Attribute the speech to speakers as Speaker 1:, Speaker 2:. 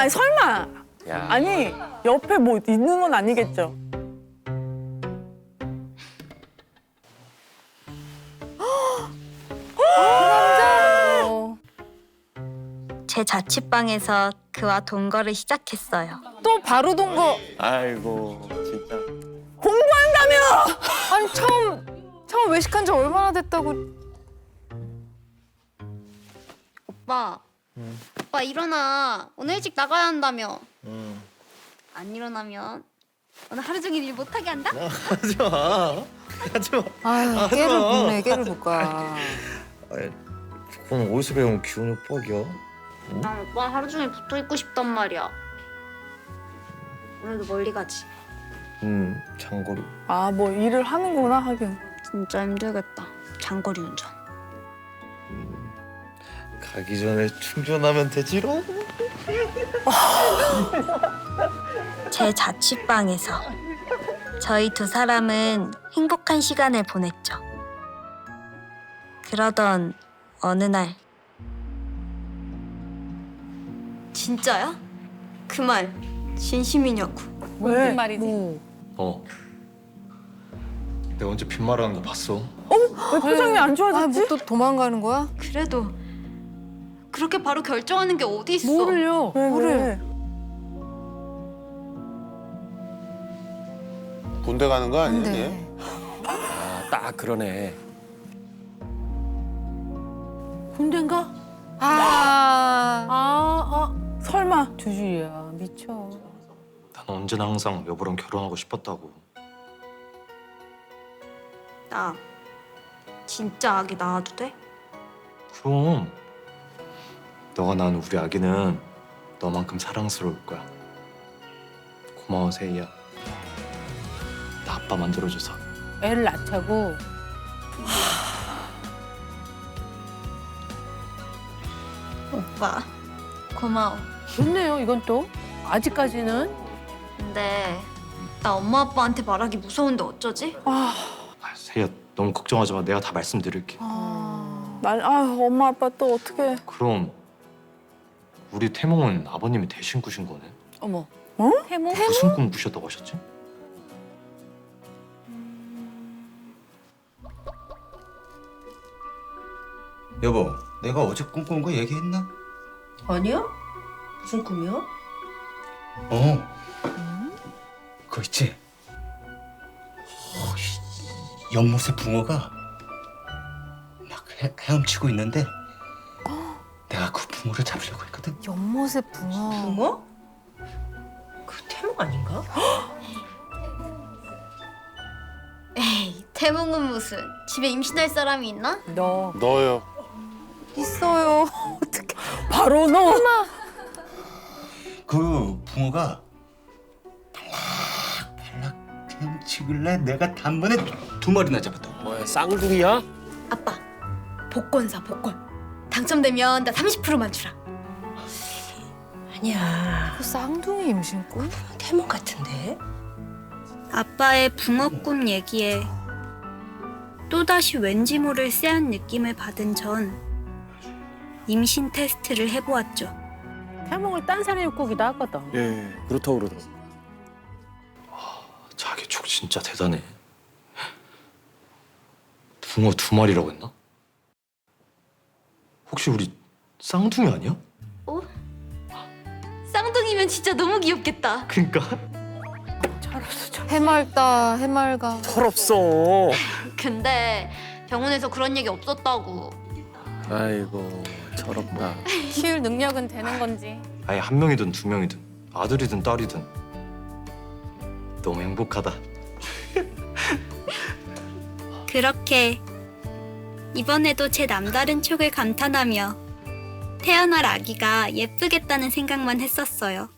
Speaker 1: 아니 설마.
Speaker 2: 야.
Speaker 1: 아니 옆에 뭐 있는 건 아니겠죠?
Speaker 3: 제 자취방에서 그와 동거를 시작했어요.
Speaker 4: 또 바로 동거.
Speaker 2: 아이고 진짜.
Speaker 1: 공부한다며!
Speaker 4: 아니 처음 외식한 지 얼마나 됐다고.
Speaker 5: 오빠. 오빠 일어나. 오늘 일찍 나가야 한다며. 안 일어나면 오늘 하루 종일 일 못하게 한다?
Speaker 2: 하지 마. 하지 마.
Speaker 4: 아유 깨를 볶네 깨를 볶아.
Speaker 2: 그건 어디서 배운 기운 협박이야?
Speaker 5: 난 오빠 하루 종일 붙어 있고 싶단 말이야. 오늘도 멀리 가지.
Speaker 2: 장거리.
Speaker 1: 아 뭐 일을 하는구나 하긴.
Speaker 5: 진짜 힘들겠다. 장거리 운전.
Speaker 2: 가기 전에 충전하면 되지롱.
Speaker 3: 제 자취방에서 저희 두 사람은 행복한 시간을 보냈죠. 그러던 어느 날
Speaker 5: 진짜야? 그 말 진심이냐고.
Speaker 1: 왜?
Speaker 4: 말이지.
Speaker 2: 내가 언제 빈말하는 거 봤어?
Speaker 1: 왜 표정이 안 좋아졌지?
Speaker 4: 아뭐 또 도망가는 거야?
Speaker 5: 그래도 그렇게 바로 결정하는 게 어디 있어?
Speaker 4: 뭐를요?
Speaker 1: 왜,
Speaker 4: 뭐를?
Speaker 1: 왜?
Speaker 6: 군대 가는 거 아니야?
Speaker 4: 근데
Speaker 6: 얘?
Speaker 2: 딱 그러네.
Speaker 1: 군대인가? 설마.
Speaker 4: 주주야 미쳐.
Speaker 7: 난 언제나 항상 여보랑 결혼하고 싶었다고.
Speaker 5: 나 진짜 아기 낳아도 돼?
Speaker 7: 그럼 너가 낳은 우리 아기는 너만큼 사랑스러울 거야. 고마워 세이야. 나 아빠 만들어줘서.
Speaker 4: 애를 낳자고.
Speaker 5: 오빠 고마워.
Speaker 4: 좋네요 이건 또. 아직까지는.
Speaker 5: 근데 나 엄마 아빠한테 말하기 무서운데 어쩌지?
Speaker 7: 아, 세이야 너무 걱정하지 마. 내가 다 말씀드릴게.
Speaker 1: 엄마 아빠 또 어떻게?
Speaker 7: 그럼 우리 태몽은 아버님이 대신 꾸신 거네.
Speaker 4: 어머.
Speaker 1: 태몽?
Speaker 7: 무슨 꿈 꾸셨다고 하셨지?
Speaker 6: 여보, 내가 어제 꿈꾼 거 얘기했나?
Speaker 8: 아니야? 무슨 꿈이야?
Speaker 6: 그거 있지? 연못에 붕어가 막 헤엄치고 있는데 내가 그 붕어를 잡으려고 했거든.
Speaker 4: 연못의 붕어.
Speaker 8: 붕어? 그 태몽 아닌가?
Speaker 5: 에이 태몽은 무슨. 집에 임신할 사람이 있나?
Speaker 4: 너
Speaker 6: 너요.
Speaker 4: 있어요.
Speaker 1: 바로 너.
Speaker 6: 그 붕어가 발락 헤엄치길래 내가 단번에 두 마리나 잡았다.
Speaker 2: 뭐야 쌍둥이야?
Speaker 5: 아빠 복권 사 복권. 당첨되면 나 30%만 주라.
Speaker 8: 아니야.
Speaker 4: 그 쌍둥이 임신꾼?
Speaker 8: 태몽 같은데?
Speaker 3: 아빠의 붕어꿈 얘기에 또다시 왠지 모를 쎄한 느낌을 받은 전 임신 테스트를 해보았죠.
Speaker 4: 태몽을 딴 사람이 꾸기도 하거든.
Speaker 2: 예 그렇다고 그러더라고.
Speaker 7: 자기 촉 진짜 대단해. 붕어 두 마리라고 했나? 혹시 우리 쌍둥이 아니야?
Speaker 5: 쌍둥이면 진짜 너무 귀엽겠다.
Speaker 7: 그러니까
Speaker 4: 해맑다 해맑아.
Speaker 2: 철없어.
Speaker 5: 근데 병원에서 그런 얘기 없었다고.
Speaker 2: 아이고 철없다.
Speaker 4: 키울 능력은 되는 건지.
Speaker 7: 아예 한 명이든 두 명이든 아들이든 딸이든 너무 행복하다.
Speaker 3: 그렇게 이번에도 제 남다른 촉을 감탄하며 태어날 아기가 예쁘겠다는 생각만 했었어요.